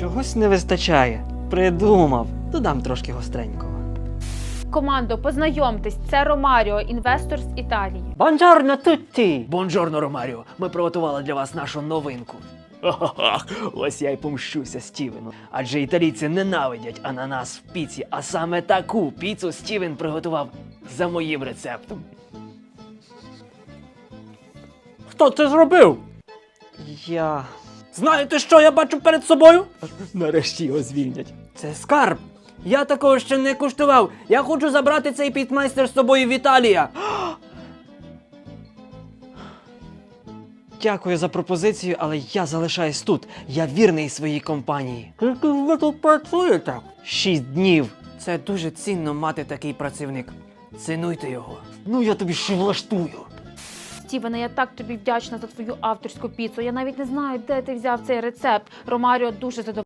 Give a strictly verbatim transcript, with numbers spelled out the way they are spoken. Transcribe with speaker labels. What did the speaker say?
Speaker 1: Чогось не вистачає. Придумав. Додам трошки гостренького.
Speaker 2: Командо, познайомтесь, це Ромаріо, інвестор з Італії.
Speaker 1: Бонджорно тутті! Бонджорно, Ромаріо! Ми приготували для вас нашу новинку. Ха-ха-ха! Ось я й помщуся Стівену. Адже італійці ненавидять ананас в піці, а саме таку піцу Стівен приготував за моїм рецептом.
Speaker 3: Хто це зробив?
Speaker 1: Я...
Speaker 3: Знаєте, що я бачу перед собою?
Speaker 1: Нарешті його звільнять. Це скарб! Я такого ще не куштував. Я хочу забрати цей пітмайстер з собою в Італія. Дякую за пропозицію, але я залишаюсь тут. Я вірний своїй компанії.
Speaker 3: Скільки ви тут працюєте?
Speaker 1: Шість днів. Це дуже цінно мати такий працівник. Цінуйте його. Ну я тобі ще влаштую.
Speaker 2: Стівене, я так тобі вдячна за твою авторську піцу. Я навіть не знаю, де ти взяв цей рецепт. Ромаріо дуже задоволений.